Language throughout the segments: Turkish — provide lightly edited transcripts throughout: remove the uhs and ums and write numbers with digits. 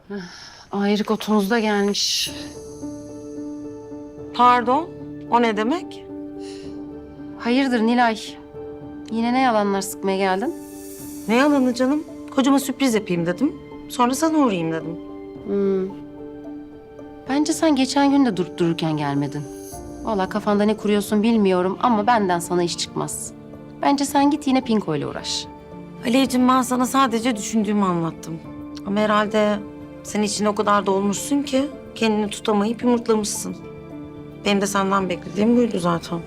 Ayrık otunuz da gelmiş. Pardon, o ne demek? Hayırdır Nilay? Yine ne yalanlar sıkmaya geldin? Ne yalanı canım? Kocama sürpriz yapayım dedim. Sonra sana uğrayayım dedim. Bence sen geçen gün de durup dururken gelmedin. Vallahi kafanda ne kuruyorsun bilmiyorum ama benden sana iş çıkmaz. Bence sen git yine Pinko ile uğraş. Aleyciğim, ben sana sadece düşündüğümü anlattım. Ama herhalde sen içine o kadar dolmuşsun ki kendini tutamayıp yumurtlamışsın. Benim de senden beklediğim buydu zaten.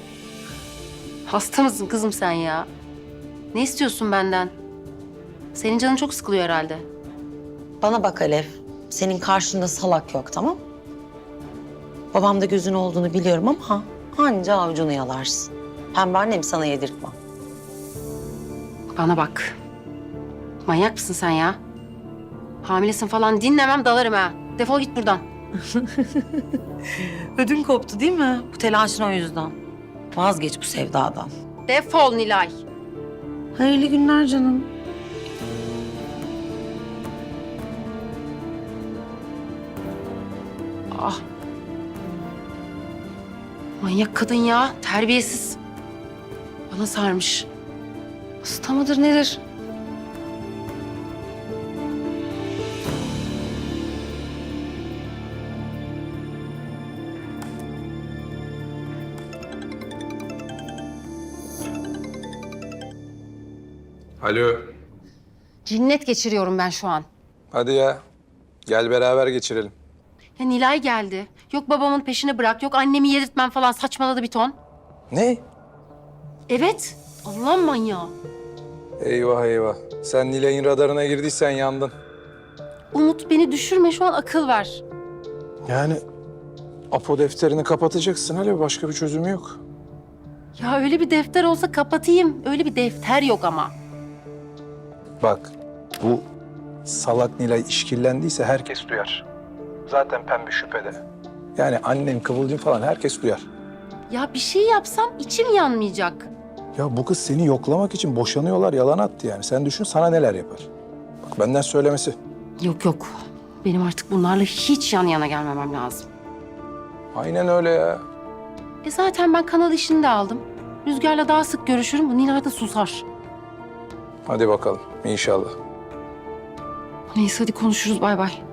Hasta mısın kızım sen ya? Ne istiyorsun benden? Senin canın çok sıkılıyor herhalde. Bana bak Alev, senin karşında salak yok, tamam? Babamda gözün olduğunu biliyorum ama anca avucunu yalarsın. Hem annem sana yedirtmem. Bana bak. Manyak mısın sen ya? Hamilesin falan dinlemem dalarım ha. Defol git buradan. Ödün koptu değil mi? Bu telaşın o yüzden. Vazgeç bu sevdadan. Defol Nilay. Hayırlı günler canım. Ah. Manyak kadın ya. Terbiyesiz. Bana sarmış. Hasta mıdır nedir? Alo. Cinnet geçiriyorum ben şu an. Hadi ya. Gel beraber geçirelim. Ya Nilay geldi. Yok babamın peşini bırak, yok annemi yedirtmem falan saçmaladı bir ton. Ne? Evet. Allah'ın manyağı. Eyvah eyvah. Sen Nilay'ın radarına girdiysen yandın. Umut beni düşürme şu an akıl ver. Yani Apo defterini kapatacaksın. Hele başka bir çözümü yok. Ya öyle bir defter olsa kapatayım. Öyle bir defter yok ama. Bak bu salak Nilay işkillendiyse herkes duyar. Zaten pembe şüphede. Yani annem, Kıvılcım falan herkes duyar. Ya bir şey yapsam içim yanmayacak. Ya bu kız seni yoklamak için boşanıyorlar, yalan attı yani. Sen düşün sana neler yapar. Bak benden söylemesi. Yok yok. Benim artık bunlarla hiç yan yana gelmemem lazım. Aynen öyle ya. Zaten ben kanal işini de aldım. Rüzgar'la daha sık görüşürüm. Bu Nilay da susar. Hadi bakalım inşallah. Neyse hadi konuşuruz. Bay bay.